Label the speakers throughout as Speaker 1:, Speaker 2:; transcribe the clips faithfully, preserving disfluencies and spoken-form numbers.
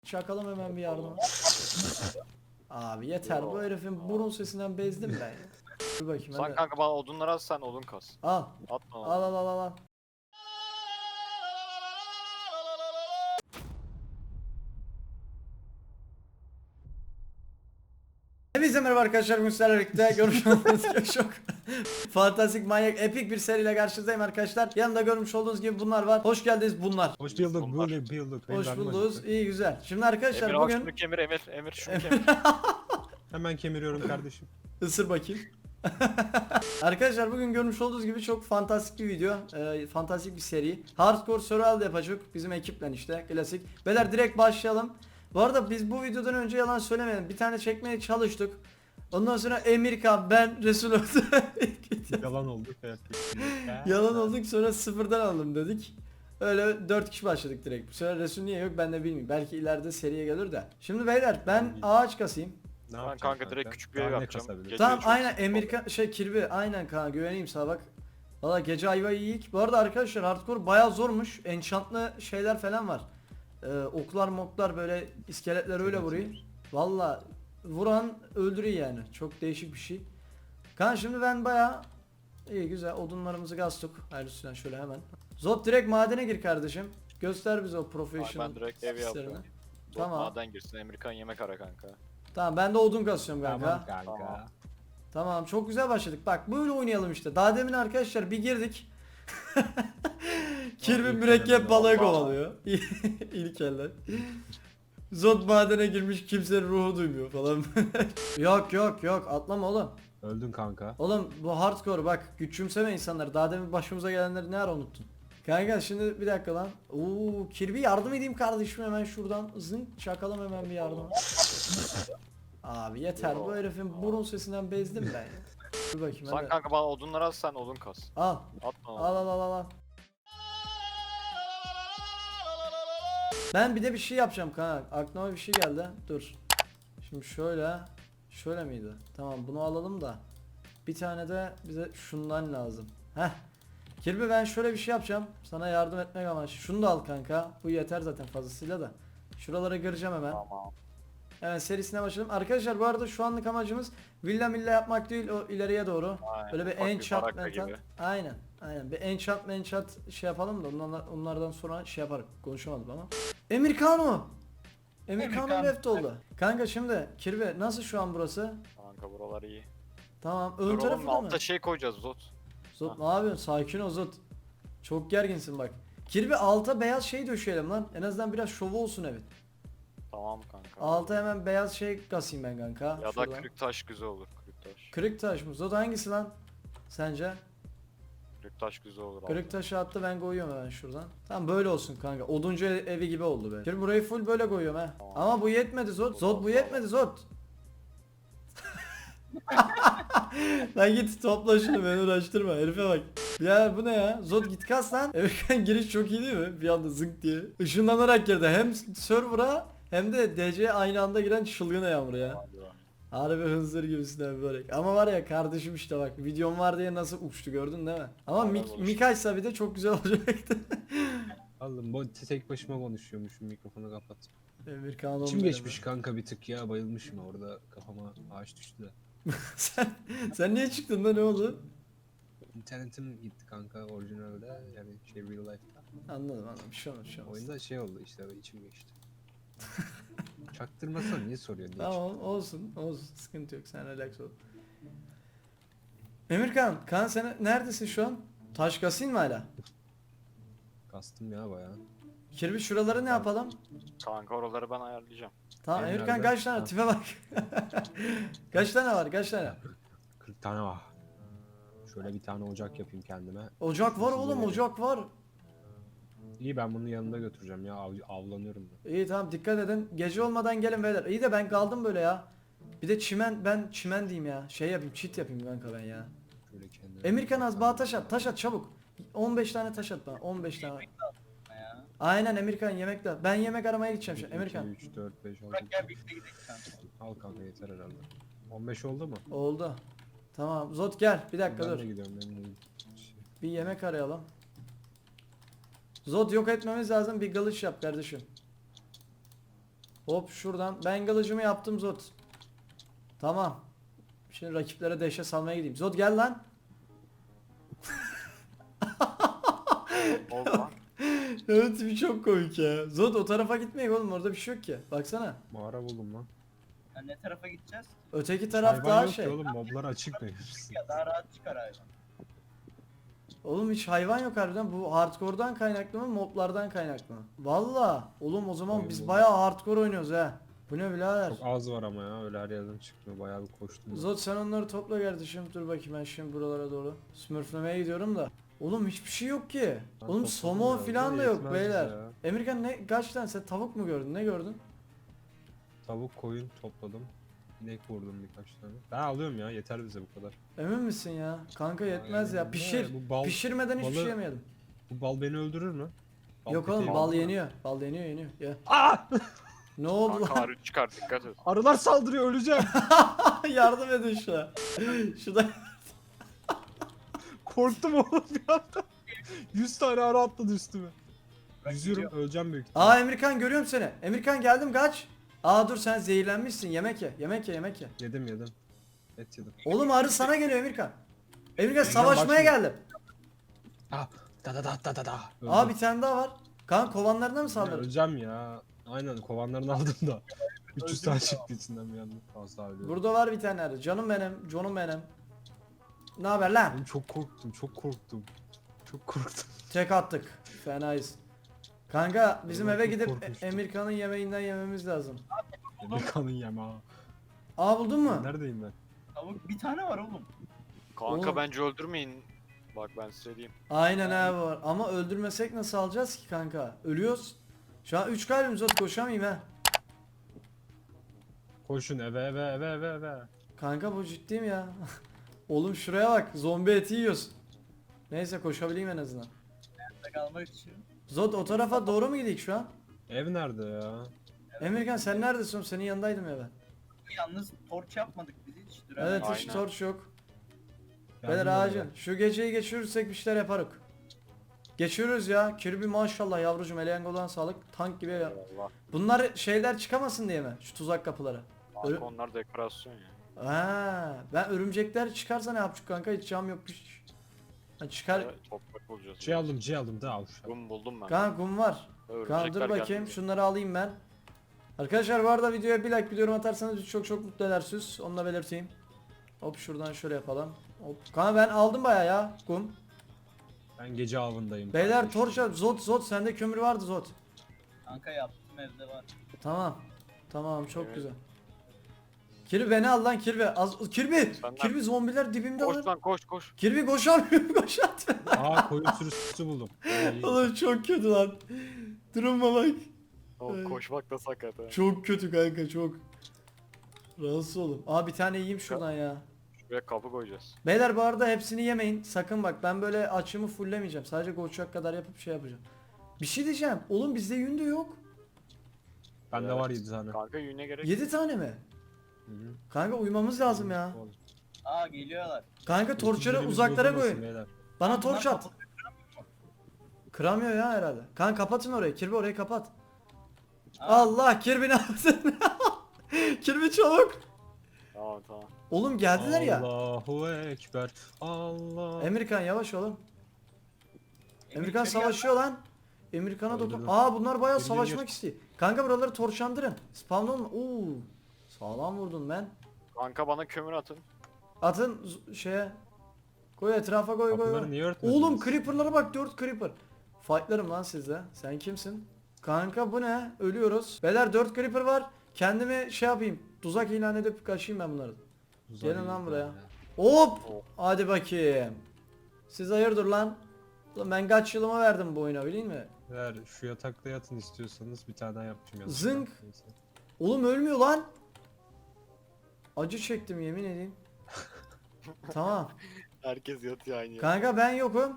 Speaker 1: Çakalım hemen bir yardım. Abi yeter, bu herifin burun sesinden bezdim ben ya. Dur bakayım
Speaker 2: Sen
Speaker 1: hadi.
Speaker 2: kanka bana odunları az, sen odun kas.
Speaker 1: Al.
Speaker 2: Atma lan.
Speaker 1: Al al al al al. Hepinize merhaba arkadaşlar, bugün sizlerle birlikte görmüş olduğunuz gibi çok fantastik, manyak, epik bir seriyle karşınızdayım arkadaşlar. Yanında görmüş olduğunuz gibi bunlar var. Hoş geldiniz bunlar.
Speaker 3: Hoş bulduk,
Speaker 2: Bunlar.
Speaker 3: böyle bulduk.
Speaker 1: Hoş bulduk. İyi güzel. Şimdi arkadaşlar
Speaker 2: Emir bak
Speaker 1: bugün
Speaker 2: şunu kemir Emir. Emir şunu kemir.
Speaker 3: Hemen kemiriyorum kardeşim.
Speaker 1: ısır bakayım. Arkadaşlar bugün görmüş olduğunuz gibi çok fantastik bir video, e, fantastik bir seri. Hardcore survival yapacak bizim ekiple, işte klasik. Beyler direkt başlayalım. Bu arada biz bu videodan önce, yalan söylemeyelim, bir tane çekmeye çalıştık. Ondan sonra Emirkan, ben, Resul oldu.
Speaker 3: Yalan oldu.
Speaker 1: Yalan olduk, sonra sıfırdan alalım dedik. Öyle dört kişi başladık direkt. Bu sefer Resul niye yok ben de bilmiyorum. Belki ileride seriye gelir de. Şimdi beyler ben ağaç kasayım.
Speaker 3: Ne
Speaker 2: Ben
Speaker 3: yapacağım
Speaker 2: kanka direkt küçük bir ev
Speaker 3: Daha ne
Speaker 2: yapacağım.
Speaker 3: kasabilirim?
Speaker 2: Gece
Speaker 1: Tamam
Speaker 2: çok
Speaker 1: aynen
Speaker 2: sıkıntı
Speaker 1: Emirkan şey Kirby, aynen kanka, güveneyim sana bak. Valla gece ayvayı yiyik. Bu arada arkadaşlar hardcore bayağı zormuş. Enchantlı şeyler falan var. Ee, oklar moklar, böyle iskeletler öyle
Speaker 3: Evet,
Speaker 1: vuruyor.
Speaker 3: evet.
Speaker 1: Valla vuran öldürüyor yani. Çok değişik bir şey. Kan şimdi ben bayağı iyi güzel odunlarımızı gastık. Ayrıca şöyle hemen. Zot direkt madene gir kardeşim. Göster bize o
Speaker 2: Ay,
Speaker 1: professional
Speaker 2: ben direkt ev
Speaker 1: hislerini.
Speaker 2: yapıyorum.
Speaker 1: Tamam.
Speaker 2: Tamam. Maden girsin, Emirkan yemek ara kanka.
Speaker 1: Tamam ben de odun kasıyorum kanka.
Speaker 3: Tamam kanka.
Speaker 2: Tamam.
Speaker 1: Tamam, çok güzel başladık. Bak böyle oynayalım işte. Daha demin arkadaşlar bir girdik. Kirby
Speaker 3: ilk
Speaker 1: mürekkep
Speaker 3: elden
Speaker 1: balığı
Speaker 2: Allah.
Speaker 1: kovalıyor. İlk elden. Zod madene girmiş, kimsenin ruhu duymuyor falan. Yok yok yok, atlama oğlum.
Speaker 3: Öldün kanka.
Speaker 1: Oğlum bu hardcore, bak küçümseme insanları. Daha demin başımıza gelenleri ne ara unuttun? Kanka şimdi bir dakika lan. Oo, Kirby yardım edeyim kardeşim, hemen şuradan zınk çakalım hemen bir yardım. Abi yeter, bu herifin burun sesinden bezdim ben ya. Dur bakayım
Speaker 2: Sen
Speaker 1: hadi.
Speaker 2: kanka bana odunları az, sen odun kas.
Speaker 1: Al.
Speaker 2: Atma lan.
Speaker 1: Al al al al al. Ben bir de bir şey yapacağım kanka. Aklıma bir şey geldi. Dur. Şimdi şöyle. Şöyle miydi? Tamam bunu alalım da. Bir tane de bize şundan lazım. Heh. Kirby ben şöyle bir şey yapacağım. Sana yardım etmek amaçlı. Şunu da al kanka. Bu yeter zaten fazlasıyla da. Şuralara gireceğim hemen.
Speaker 2: Tamam.
Speaker 1: Hemen serisine başladım. Arkadaşlar bu arada şu anlık amacımız villa milla yapmak değil, o ileriye doğru.
Speaker 2: Aynen,
Speaker 1: Böyle bir
Speaker 2: ufak bir
Speaker 1: enchant
Speaker 2: baraka
Speaker 1: menchant.
Speaker 2: gibi.
Speaker 1: Aynen. Aynen. Bir enchant menchant şey yapalım da onlardan, onlardan sonra şey yaparım. Konuşamadım ama. Emirkano. Emirkano
Speaker 4: Emirkan.
Speaker 1: left oldu. Kanka şimdi Kirby nasıl şu an burası?
Speaker 2: Kanka buralar iyi.
Speaker 1: Tamam.
Speaker 2: Dur
Speaker 1: Ön
Speaker 2: oğlum,
Speaker 1: tarafı da mı?
Speaker 2: altta şey koyacağız Zot.
Speaker 1: Zot ne yapıyorsun? Sakin ol Zot. Çok gerginsin bak. Kirby alta beyaz şey döşeyelim lan. En azından biraz şovu olsun evet.
Speaker 2: Tamam kanka.
Speaker 1: Alta hemen beyaz şey kasayım ben kanka.
Speaker 2: Ya da
Speaker 1: Şuradan.
Speaker 2: kırık taş güzel olur, kırık taş.
Speaker 1: Kırık taş mı? Zot hangisi lan? Sence?
Speaker 2: Kırık taş güzel olur.
Speaker 1: Kırık
Speaker 2: altta.
Speaker 1: taşı attı, ben koyuyorum hemen şuradan. Tamam böyle olsun kanka. Oduncu ev- evi gibi oldu be. Şimdi burayı full böyle koyuyorum ha.
Speaker 2: Tamam.
Speaker 1: Ama bu yetmedi Zot. Zot bu yetmedi Zot. Lan git topla şunu, beni uğraştırma herife bak. Ya bu ne ya? Zot git kas lan. Evet giriş çok iyi değil mi? Bir anda zınk diye. Işınlanarak girdi. Hem server'a hem de D C'ye aynı anda giren çılgın yağmur ya.
Speaker 2: Hadi be.
Speaker 1: Harbi hınzır gibisinden böyle. Ama var ya kardeşim, işte bak videom var diye nasıl uçtu, gördün değil mi? Ama
Speaker 2: Aynen,
Speaker 1: mik
Speaker 2: oluştu.
Speaker 1: Mikaysa bir de çok güzel olacaktı.
Speaker 3: Oğlum bu tek başıma konuşuyormuşum, mikrofonu kapat.
Speaker 1: Emir Kaan
Speaker 3: İçim
Speaker 1: oğlum
Speaker 3: geçmiş
Speaker 1: benim.
Speaker 3: kanka bir tık ya, bayılmışım orada, kafama ağaç düştü de.
Speaker 1: sen, sen niye çıktın da, ne oldu?
Speaker 3: İnternetim gitti kanka orijinalde, yani şey real life'da.
Speaker 1: Anladım anladım, bir şey olmaz, bir şey olmaz.
Speaker 3: Oyunda şey oldu işte, içim geçti. Çaktırmasana niye soruyorsun diye.
Speaker 1: Tamam olsun olsun, sıkıntı yok, sen relax ol. Emirkan, Kaan sen neredesin şu an? Taş kasayım mı hala?
Speaker 3: Kastım ya bayağı.
Speaker 1: Kirby şuraları ne yapalım?
Speaker 2: Kanka oraları ben ayarlayacağım.
Speaker 1: Tamam
Speaker 3: Benim
Speaker 1: Emirkan
Speaker 3: nerede?
Speaker 1: kaç tane?
Speaker 3: Ha.
Speaker 1: Tipe bak. Kaç tane var, kaç tane?
Speaker 3: kırk tane var. Şöyle bir tane ocak yapayım kendime.
Speaker 1: Ocak var oğlum,
Speaker 3: Size
Speaker 1: ocak var.
Speaker 3: İyi, ben bunu yanında götüreceğim ya, av, avlanıyorum da.
Speaker 1: İyi tamam, dikkat edin. Gece olmadan gelin beyler. İyi de ben kaldım böyle ya. Bir de çimen, ben çimen diyeyim ya. Şey yapayım, cheat yapayım kanka ben ya.
Speaker 3: Şöyle kendime.
Speaker 1: Emirkan az bana taş at, taş at çabuk. on beş tane taş at bana, on beş tane.
Speaker 4: Ya.
Speaker 1: Aynen Emirkan, yemek de. Ben yemek aramaya gideceğim şimdi Emirkan.
Speaker 3: üç, dört, beş, altı.
Speaker 4: Bırak gel birlikte gidelim kanka.
Speaker 3: Al kanka yeter herhalde. on beş oldu mu?
Speaker 1: Oldu. Tamam Zot gel, bir dakika
Speaker 3: Ben
Speaker 1: dur.
Speaker 3: de gidiyorum benim de. Şey,
Speaker 1: Bir yemek arayalım. Zot yok etmemiz lazım, bir kılıç yap kardeşim. Hop şuradan. Ben kılıcımı yaptım Zod. Tamam. Şimdi rakiplere dehşet salmaya gideyim. Zod gel lan.
Speaker 2: Oldu lan.
Speaker 1: Evet bir çok komik ya. Zod o tarafa gitmeyin oğlum, orada bir şey yok ki. Baksana.
Speaker 3: Mağara buldum lan.
Speaker 4: Ya ne tarafa gideceğiz?
Speaker 1: Öteki taraf
Speaker 3: Hayvan
Speaker 1: daha
Speaker 3: yok
Speaker 1: şey.
Speaker 3: ki oğlum, moblar açık mı?
Speaker 4: Ya daha rahat çıkar hayvan.
Speaker 1: Oğlum hiç hayvan yok harbiden. Bu hardcore'dan kaynaklı mı, moblardan kaynaklı mı? Valla. Oğlum o zaman
Speaker 3: Oyun
Speaker 1: biz
Speaker 3: bu.
Speaker 1: bayağı hardcore oynuyoruz ha. Bu ne birader?
Speaker 3: Çok az var ama ya, öyle her yerden çıkmıyor, bayağı bir koştum.
Speaker 1: Zod sen onları topla kardeşim. Dur bakayım ben şimdi buralara doğru. Smurflemeye gidiyorum da. Oğlum hiçbir şey yok ki.
Speaker 3: Ben
Speaker 1: Oğlum
Speaker 3: topladım
Speaker 1: somon
Speaker 3: ya,
Speaker 1: filan da
Speaker 3: yetmez
Speaker 1: yok
Speaker 3: bize
Speaker 1: beyler.
Speaker 3: ya.
Speaker 1: Emirkan ne kaç tane sen tavuk mu gördün? Ne gördün?
Speaker 3: Tavuk, koyun topladım. İnek vurdum birkaç tane. Ben alıyorum ya, yeter bize bu kadar.
Speaker 1: Emin misin ya? Kanka yetmez ya.
Speaker 3: Aynen.
Speaker 1: Pişir.
Speaker 3: Ne, bu bal-
Speaker 1: Pişirmeden hiçbir
Speaker 3: balı-
Speaker 1: şey yemeyelim.
Speaker 3: Bu bal beni öldürür mü? Bal
Speaker 1: Yok oğlum
Speaker 3: peteği
Speaker 1: bal
Speaker 3: var.
Speaker 1: yeniyor. Bal yeniyor yeniyor. Ya.
Speaker 3: Aa!
Speaker 1: Ne oldu
Speaker 2: Kanka
Speaker 1: lan?
Speaker 2: arı çıkar dikkat et.
Speaker 3: Arılar saldırıyor, öleceğim.
Speaker 1: Yardım edin şuna. Şurada.
Speaker 3: Korktum oğlum bir anda. yüz tane arı atladı üstüme.
Speaker 4: Bak
Speaker 3: Yüzüyorum,
Speaker 4: gidiyor.
Speaker 3: öleceğim büyük ihtimalle.
Speaker 1: Aa Emirkan görüyorum seni. Emirkan geldim kaç. Aa dur sen zehirlenmişsin. Yemek ye. Yemek ye yemek ye.
Speaker 3: Yedim yedim. Et yedim.
Speaker 1: Oğlum arı sana geliyor Emirkan. Emirkan
Speaker 3: Emirkan
Speaker 1: savaşmaya
Speaker 3: bak şimdi.
Speaker 1: geldim.
Speaker 3: Ah, da da da da da da.
Speaker 1: Aa
Speaker 3: Öldüm.
Speaker 1: bir tane daha var. Kan kovanlarına mı
Speaker 3: Ya,
Speaker 1: saldırdın?
Speaker 3: öleceğim ya. Aynen, kovanlarını aldım da. üç yüz tane çıktı içinden bir anda. Fazla ölüyorum.
Speaker 1: Burada var bir tane arı. Canım benim. Canım benim. Ne haber lan?
Speaker 3: Oğlum çok korktum, çok korktum. Çok korktum.
Speaker 1: Tek attık. Fenayız. Kanka bizim
Speaker 3: Vallahi
Speaker 1: eve
Speaker 3: çok
Speaker 1: gidip
Speaker 3: korkmuştum.
Speaker 1: Emirkan'ın yemeğinden yememiz lazım.
Speaker 3: Benim kanın yeme ha.
Speaker 1: Aa buldun mu?
Speaker 3: Neredeyim ben?
Speaker 4: Tavuk bir tane var oğlum.
Speaker 2: Kanka
Speaker 1: Oğlum.
Speaker 2: bence öldürmeyin. Bak ben size diyeyim.
Speaker 1: Aynen abi var. Ama öldürmesek nasıl alacağız ki kanka? Ölüyoruz. Şu an üç kalbimiz var, koşamayayım ha.
Speaker 3: Koşun eve eve eve eve eve.
Speaker 1: Kanka bu ciddiyim ya. Oğlum şuraya bak, zombi eti yiyoruz. Neyse koşabileyim en azından.
Speaker 4: Hayatta kalmak için.
Speaker 1: Zod o tarafa doğru mu gidik şu an?
Speaker 3: Ev nerede ya?
Speaker 1: Emirkan sen neredesin oğlum? Senin yanındaydım ya ben.
Speaker 4: Yalnız torç yapmadık biz hiç. Dur
Speaker 1: Evet
Speaker 4: hemen.
Speaker 1: hiç
Speaker 2: Aynen.
Speaker 1: torç yok.
Speaker 3: Yardım
Speaker 1: Beyler
Speaker 3: edin.
Speaker 1: ağacın. Şu geceyi geçirirsek bir şeyler yaparız. Geçiyoruz ya. Kirby maşallah yavrucuğum, Elengol'dan sağlık. Tank gibi ya.
Speaker 2: Allah.
Speaker 1: Bunlar şeyler çıkamasın diye mi? Şu tuzak kapıları. Öyle-
Speaker 2: Kanka onlar dekorasyon ya.
Speaker 1: Ha, ben örümcekler çıkarsa ne yapacak kanka? Hiç cam yok. Hiç. Ha, çıkar.
Speaker 2: Evet, toprak bulacağız.
Speaker 3: Şey aldım, C aldım da al şu an.
Speaker 2: Kum buldum ben.
Speaker 1: Kanka kum var. Kanka
Speaker 2: Örümcekler
Speaker 1: dur bakayım
Speaker 2: geldi.
Speaker 1: şunları alayım ben. Arkadaşlar bu arada videoya bir like, bir yorum atarsanız bizi çok çok mutlu edersiniz. Onu da belirteyim. Hop şuradan şöyle yapalım. Hop. Kanka ben aldım baya ya kum.
Speaker 3: Ben gece avındayım.
Speaker 1: Beyler
Speaker 3: kardeşim.
Speaker 1: torç al. Zot Zot sende kömür vardı Zot.
Speaker 4: Kanka yaptım evde var.
Speaker 1: Tamam. Tamam çok
Speaker 2: Evet.
Speaker 1: güzel. Kirby beni al lan Kirby. Az Kirby.
Speaker 2: Senden-
Speaker 1: Kirby zombiler dibimde
Speaker 2: Koş
Speaker 1: lan.
Speaker 2: lan koş koş.
Speaker 1: Kirby koşamıyorum koşat.
Speaker 3: Aa, koyun sürüsü buldum. İyi.
Speaker 1: Oğlum çok kötü lan. Duruma bak.
Speaker 2: O
Speaker 1: Ay.
Speaker 2: koşmak da sakat ha.
Speaker 1: Çok kötü kanka çok. Rahatsız olun. Aa bir tane yiyeyim şuradan ya.
Speaker 2: Şuraya kapı koyacağız.
Speaker 1: Beyler bu arada hepsini yemeyin. Sakın bak ben böyle açımı fullemeyeceğim. Sadece koçak kadar yapıp şey yapacağım. Bir şey diyeceğim. Oğlum bizde yün de yok.
Speaker 3: Bende
Speaker 2: Evet.
Speaker 3: var yedi tane.
Speaker 2: Kanka yüne gerek.
Speaker 1: yedi tane mi?
Speaker 3: Hı hı.
Speaker 1: Kanka uyumamız lazım ya.
Speaker 3: Oğlum,
Speaker 4: Aa geliyorlar.
Speaker 1: Kanka torçları
Speaker 3: üstünlerimiz
Speaker 1: uzaklara
Speaker 3: bozulmasın
Speaker 1: koyun.
Speaker 3: beyler.
Speaker 1: Bana
Speaker 4: Bunlar
Speaker 1: torç at.
Speaker 4: kapalı.
Speaker 1: Kıramıyor ya herhalde. Kanka kapatın orayı. Kirby orayı kapat.
Speaker 4: Aa,
Speaker 1: Allah Kirby ne yaptın? Kirby çabuk.
Speaker 2: Tamam tamam.
Speaker 1: Oğlum geldiler ya.
Speaker 3: Allahu Ekber. Allah.
Speaker 1: Emirkan yavaş oğlum.
Speaker 4: Emir
Speaker 1: Emirkan
Speaker 4: içeri
Speaker 1: savaşıyor lan. Emirkan'a dokun.
Speaker 3: Öldürdüm.
Speaker 1: Aa bunlar bayağı
Speaker 3: Gir, gir,
Speaker 1: savaşmak
Speaker 3: gir.
Speaker 1: istiyor. Kanka buraları torçlandırın. Spawn olma. Oo. Sağlam vurdun ben.
Speaker 2: Kanka bana kömür atın.
Speaker 1: Atın z- şeye. Koy etrafa koy koy.
Speaker 3: Kapıları
Speaker 1: koy.
Speaker 3: niye örtmediniz?
Speaker 1: Oğlum creeper'lara bak, dört creeper. Fightlarım lan sizde. Sen kimsin? Kanka bu ne? Ölüyoruz. Beyler dört creeper var. Kendimi şey yapayım. Tuzak ilan edip kaçayım ben bunları.
Speaker 3: Uzay
Speaker 1: Gelin lan
Speaker 3: iyi
Speaker 1: buraya.
Speaker 3: ya.
Speaker 1: Hop.
Speaker 2: Oh.
Speaker 1: Hadi bakayım. Siz hayırdır lan? Ulan ben kaç yılıma verdim bu oyuna bileyim mi?
Speaker 3: Eğer şu yatakta yatın istiyorsanız bir tane daha yapacağım yatakta.
Speaker 1: Zınk.
Speaker 3: Neyse.
Speaker 1: Oğlum ölmüyor lan. Acı çektim yemin edeyim. Tamam.
Speaker 2: Herkes yatıyor aynı yere.
Speaker 1: Kanka ben yokum.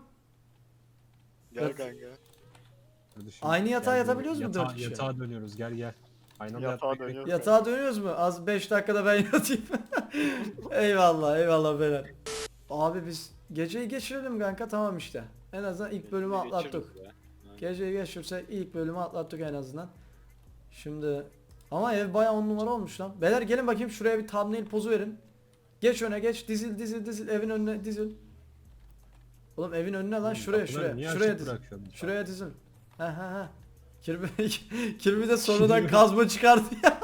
Speaker 2: Gel
Speaker 1: yat-
Speaker 2: kanka.
Speaker 3: Kardeşim,
Speaker 1: Aynı yatağa
Speaker 3: gel
Speaker 1: yatabiliyoruz mu
Speaker 3: yatağa-
Speaker 1: dört kişi?
Speaker 3: Yatağa dönüyoruz, gel gel. Aynı anda
Speaker 2: Yatağa
Speaker 3: yatmak
Speaker 2: dönüyoruz.
Speaker 1: Yatağa dönüyoruz mu? Az beş dakikada ben yatayım. Eyvallah eyvallah beyler. Abi biz geceyi geçirelim kanka, tamam işte. En azından ilk bölümü atlattık.
Speaker 2: Geçiririz ya.
Speaker 1: Geceyi geçirsek ilk bölümü atlattık en azından. Şimdi Ama ev bayağı on numara olmuş lan. Beyler gelin bakayım şuraya bir thumbnail pozu verin. Geç öne geç. Dizil dizil dizil. Evin önüne dizil. Oğlum evin önüne lan şuraya
Speaker 3: Kapıları
Speaker 1: şuraya.
Speaker 3: niye
Speaker 1: Şuraya
Speaker 3: açık
Speaker 1: dizil.
Speaker 3: bırakıyorsun?
Speaker 1: Şuraya dizil. Ha ha ha. Kirby, Kirby de sonradan kazma çıkardı ya.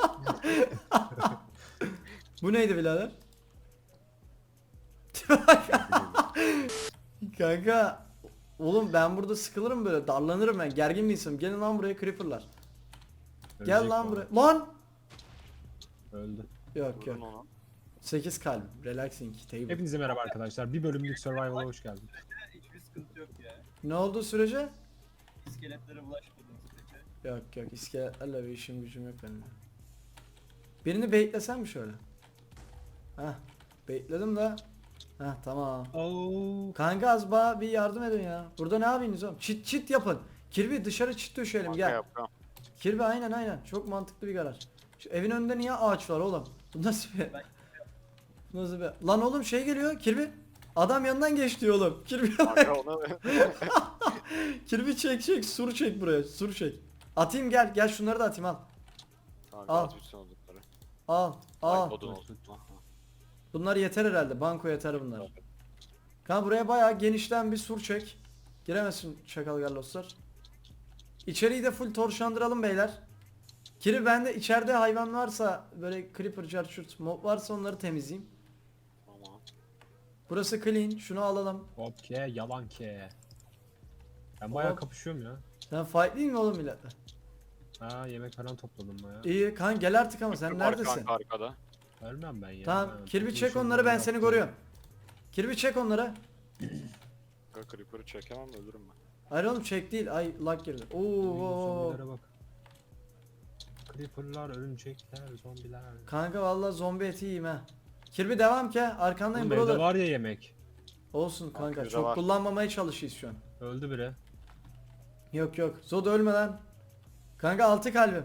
Speaker 1: Bu neydi birader? Kanka. Oğlum ben burada sıkılırım böyle. Darlanırım ben. Gergin bir insanım. Gelin lan buraya creeperlar. Gel
Speaker 3: Ölecek
Speaker 1: lan
Speaker 3: bu
Speaker 1: buraya.
Speaker 3: arada.
Speaker 1: Lan!
Speaker 3: Öldü.
Speaker 1: Yok yok.
Speaker 2: Vurdun onu.
Speaker 1: sekiz kalp. Relaxing table.
Speaker 3: Hepinize merhaba arkadaşlar. Bir bölümlük Survival'a hoş geldiniz.
Speaker 4: Hiçbir sıkıntı yok ya.
Speaker 1: Ne oldu sürece?
Speaker 4: İskeletlere bulaşmadığın sürece.
Speaker 1: Yok yok iskeletlerle bir işim gücüm yok benim. Birini beklesem mi şöyle? Heh. Bekledim de. Heh tamam.
Speaker 3: Oo.
Speaker 1: Kanka az bana bir yardım edin ya. Burada ne yapıyorsunuz oğlum? Çit çit yapın. Kirby dışarı çit döşeyelim
Speaker 2: Kanka
Speaker 1: gel.
Speaker 2: yapıyorum.
Speaker 1: Kirby aynen aynen. Çok mantıklı bir karar. Şu evin önünde niye ağaç var oğlum? Bu nasıl bir...
Speaker 4: Ben-
Speaker 1: Bu nasıl bir... Lan oğlum şey geliyor Kirby. Adam yanından geç diyor oğlum. Kirby
Speaker 2: Kanka onu
Speaker 1: Kirby çek çek sur çek buraya sur çek. Atayım gel gel şunları da atayım al.
Speaker 2: Kanka
Speaker 1: Al.
Speaker 2: at bütün oldukları.
Speaker 1: Al al.
Speaker 2: Ay, odun olsun. Aha.
Speaker 1: Bunlar yeter herhalde. Banko yeter bunlar. Kanka buraya bayağı genişten bir sur çek. Giremezsin çakal garloslar. İçeriği de full torşandıralım beyler. Kiri bende içeride hayvan varsa böyle creeper, charchurt, mob varsa onları temizleyeyim.
Speaker 2: Tamam.
Speaker 1: Burası clean. Şunu alalım.
Speaker 3: Hop ke yalan ke. Ben bayağı
Speaker 1: Hop.
Speaker 3: kapışıyorum ya.
Speaker 1: Sen fight değil mi oğlum milletle?
Speaker 3: Ha yemek falan topladım bayağı.
Speaker 1: İyi kanka gel artık ama sen
Speaker 2: Var
Speaker 1: neredesin?
Speaker 2: Kanka arkada.
Speaker 3: Ölmem ben ya.
Speaker 1: Tamam
Speaker 3: Ben
Speaker 1: Kirby çek
Speaker 3: toplayışım
Speaker 1: onları ben
Speaker 3: yaptım.
Speaker 1: seni koruyorum. Kirby çek onları.
Speaker 2: Kanka Creeper'ı çekemem ölürüm ben.
Speaker 1: Hayır oğlum çek değil. Ay lag girdi. Oo.
Speaker 3: Uy, zombilere bak. Creeper'lar, örümcekler, zombiler.
Speaker 1: Kanka vallahi zombi eti yiyeyim ha. Kirby devam ki arkandayım
Speaker 3: Oğlum evde
Speaker 1: brother.
Speaker 3: var ya yemek.
Speaker 1: Olsun kanka
Speaker 2: Kanka,
Speaker 1: çok
Speaker 2: var.
Speaker 1: kullanmamaya çalışıyoruz şu an.
Speaker 3: Öldü biri.
Speaker 1: Yok yok. Zod ölme lan. Kanka altı kalbim.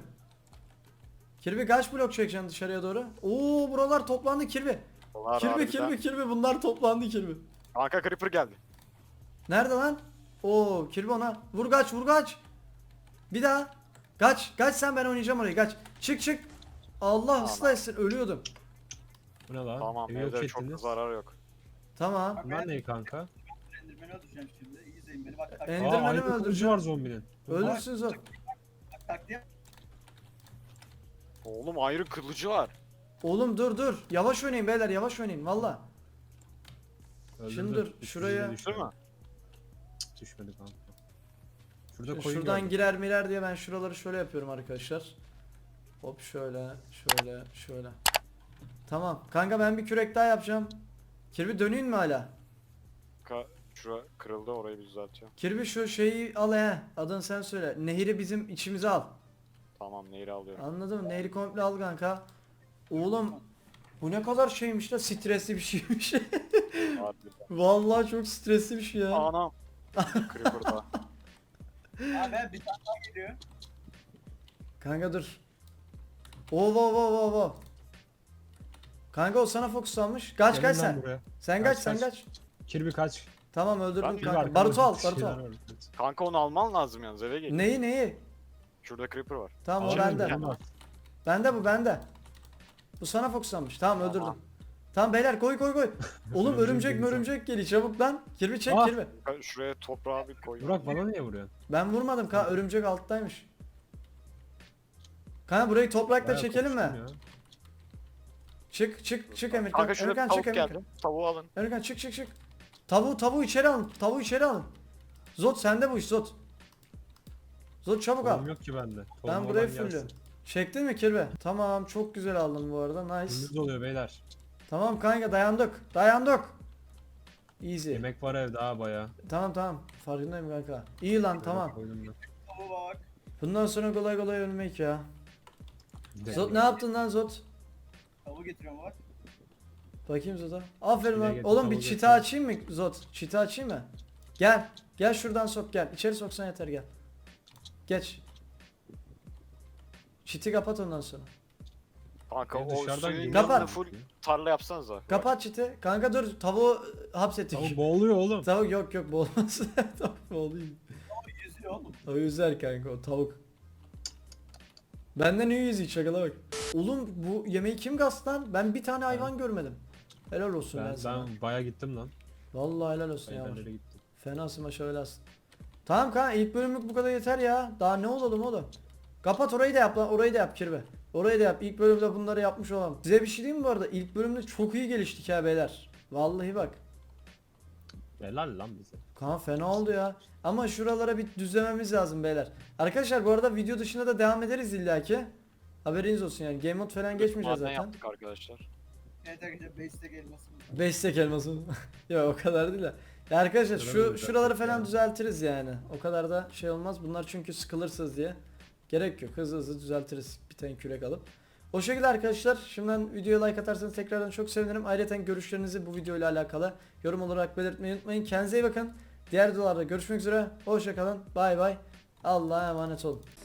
Speaker 1: Kirby kaç blok çekeceksin dışarıya doğru? Oo buralar toplandı Kirby.
Speaker 2: Dolar
Speaker 1: Kirby
Speaker 2: harbiden.
Speaker 1: Kirby Kirby bunlar toplandı Kirby.
Speaker 2: Kanka Creeper geldi.
Speaker 1: Nerede lan? Oo Kirby ona. Vur kaç vur kaç. Bir daha. Kaç. Kaç sen ben oynayacağım orayı kaç. Çık çık. Allah
Speaker 2: Tamam.
Speaker 1: ıslah etsin ölüyordum.
Speaker 3: Bu ne lan?
Speaker 2: Tamam
Speaker 3: Evi yok
Speaker 2: evde çok
Speaker 3: ettiniz.
Speaker 2: zarar yok.
Speaker 1: Tamam.
Speaker 3: Bunlar ne kanka?
Speaker 4: Enderman'i öldüreceğim şimdi. İyi izleyin beni bak. Tak,
Speaker 1: Ender-
Speaker 3: Aa
Speaker 1: Enderman'i mi
Speaker 3: aynı kılıcı
Speaker 1: öldüreceğim?
Speaker 3: var zombinin.
Speaker 1: Ölürsün Zod.
Speaker 4: tak, tak diye.
Speaker 2: Oğlum ayrı kılıcı var.
Speaker 1: Oğlum dur dur. Yavaş oynayın beyler yavaş oynayın valla.
Speaker 3: Öldürdü.
Speaker 1: Şimdi dur,
Speaker 3: Üstümüze
Speaker 1: şuraya-
Speaker 3: düştü.
Speaker 2: Değil mi?
Speaker 3: Cık, düşmedi kanka. Şurada
Speaker 1: Şimdi
Speaker 3: koyun
Speaker 1: şuradan
Speaker 3: gördüm.
Speaker 1: girer mirer diye ben şuraları şöyle yapıyorum arkadaşlar. Hop şöyle şöyle şöyle. Tamam kanka ben bir kürek daha yapacağım. Kirby döneyim mi hala?
Speaker 2: Ka şura kırıldı orayı bir düzeltiyorum.
Speaker 1: Kirby şu şeyi al he. Adını sen söyle. Nehri bizim içimize al.
Speaker 2: Tamam nehri alıyorum.
Speaker 1: Anladın mı? Nehri komple al kanka. Oğlum bu ne kadar şeymiş la stresli bir şeymiş.
Speaker 2: Harbiden.
Speaker 1: Vallahi çok stresli bir şey ya.
Speaker 2: Anam. Creeper'da.
Speaker 4: Abi bir tane daha geliyor.
Speaker 1: Kanka dur. Oo oo oo oo oo. Kanka o sana fokuslanmış. Kaç
Speaker 3: Gelin
Speaker 1: kaç
Speaker 3: lan
Speaker 1: sen.
Speaker 3: buraya.
Speaker 1: Sen kaç
Speaker 3: Kaç,
Speaker 1: sen
Speaker 3: kaç.
Speaker 1: kaç.
Speaker 3: Kirby kaç.
Speaker 1: Tamam öldürdüm
Speaker 2: Ben-
Speaker 3: Kirby
Speaker 1: kanka.
Speaker 3: arkamda
Speaker 1: Barutu al
Speaker 3: bir
Speaker 1: barutu
Speaker 3: şeyler
Speaker 1: al.
Speaker 3: var.
Speaker 2: Kanka onu alman lazım yalnız eve gel.
Speaker 1: Neyi neyi?
Speaker 2: Şurada Creeper var.
Speaker 1: Tamam o
Speaker 3: Al,
Speaker 1: bende.
Speaker 3: tamam.
Speaker 1: Bende bu bende. Bu sana fokuslanmış. Tamam öldürdüm.
Speaker 2: Tamam.
Speaker 1: Tamam beyler koy koy koy. Oğlum
Speaker 3: Örümcek
Speaker 1: örümcek
Speaker 3: geliyor.
Speaker 1: örümcek geliyor çabuk lan. Kirby çek
Speaker 3: Ah.
Speaker 1: Kirby.
Speaker 2: Kanka şuraya toprağı bir koy.
Speaker 3: Burak bana niye vuruyorsun?
Speaker 1: Ben vurmadım kanka örümcek alttaymış. Kanka burayı toprakla
Speaker 3: Bayağı
Speaker 1: çekelim mi?
Speaker 3: kapıştım ya.
Speaker 1: Çık çık çık Emirkan.
Speaker 2: Kanka şurada
Speaker 1: Emirkan
Speaker 2: bir tavuk
Speaker 1: çık Emirkan.
Speaker 2: geldi. Tavuğu alın.
Speaker 1: Emirkan çık çık çık. Tavuğu tavuğu içeri alın. Tavuğu içeri alın. Zot sende bu iş Zot. Zot çabuk al.
Speaker 3: Tohum yok ki bende. Tohum
Speaker 1: Ben
Speaker 3: olan
Speaker 1: burayı
Speaker 3: gelsin.
Speaker 1: fullüyorum. Çektin mi Kirby? Tamam çok güzel aldın bu arada nice.
Speaker 3: Gündüz oluyor beyler.
Speaker 1: Tamam kanka dayandık. Dayandık. Easy.
Speaker 3: Yemek var evde ha baya.
Speaker 1: Tamam tamam. Farkındayım kanka. İyi lan tamam.
Speaker 4: Tavuğa bak.
Speaker 1: Bundan sonra kolay kolay ölmek ya.
Speaker 3: Gidelim.
Speaker 1: Zot ne yaptın lan Zot?
Speaker 4: Tavuğu getiriyorum bak.
Speaker 1: Bakayım Zot'a. Aferin
Speaker 3: Çile
Speaker 1: lan.
Speaker 3: getir,
Speaker 1: Oğlum bir
Speaker 3: tavuğu
Speaker 1: çita
Speaker 3: getir.
Speaker 1: açayım mı Zot? Çita açayım mı? Gel. Gel şuradan sok gel. İçeri soksan yeter gel. Geç. Çiti kapat ondan sonra.
Speaker 2: Kanka
Speaker 3: Ben
Speaker 2: o
Speaker 3: dışarıdan
Speaker 2: suyun
Speaker 3: geliyorum.
Speaker 1: Kapat.
Speaker 2: yanında full tarla yapsanıza.
Speaker 1: Kapat çiti. Kanka dur tavuğu hapsettik.
Speaker 3: Tavuk boğuluyor oğlum.
Speaker 1: Tavuk yok yok boğulmaz. Tavuk boğulayım.
Speaker 4: Yüzüyor oğlum.
Speaker 1: O yüzer kanka o tavuk. Benden iyi yüzü şakala bak. Oğlum bu yemeği kim gastı lan? Ben bir tane hayvan görmedim. Helal olsun ben,
Speaker 3: Ben,
Speaker 1: sana.
Speaker 3: ben baya gittim lan.
Speaker 1: Vallahi helal olsun ya.
Speaker 3: Hayvanlara gittim.
Speaker 1: Fenasın maşallah helalsin. Tamam kanka ilk bölümlük bu kadar yeter ya. Daha ne olalım oğlum. Kapat orayı da yap lan, orayı da yap Kirbe. Orayı da yap. İlk bölümde bunları yapmış olalım. Size bir şey diyeyim mi bu arada? İlk bölümde çok iyi geliştik ha beyler. Vallahi bak.
Speaker 3: Helal lan bize.
Speaker 1: Kaan fena oldu ya. Ama şuralara bir düzlememiz lazım beyler. Arkadaşlar bu arada video dışında da devam ederiz illaki. Haberiniz olsun yani. Game mode falan geçmeyeceğiz
Speaker 2: Maden
Speaker 1: zaten.
Speaker 2: yaptık arkadaşlar.
Speaker 4: Evet arkadaşlar base'te gelmesin.
Speaker 1: beş tek elması. Ya o kadar değil de. Ya arkadaşlar şu
Speaker 3: Şuraları
Speaker 1: şuraları
Speaker 3: düzelttik
Speaker 1: falan
Speaker 3: ya.
Speaker 1: düzeltiriz yani. O kadar da şey olmaz. Bunlar çünkü sıkılırsınız diye. Gerek yok. Hızlı hızlı düzeltiriz. Bir tane kürek alıp. O şekilde arkadaşlar. Şimdiden videoya like atarsanız tekrardan çok sevinirim. Ayrıca görüşlerinizi bu videoyla alakalı yorum olarak belirtmeyi unutmayın. Kendinize iyi bakın. Diğer videolarda görüşmek üzere. Hoşça kalın. Bay bay. Allah'a emanet olun.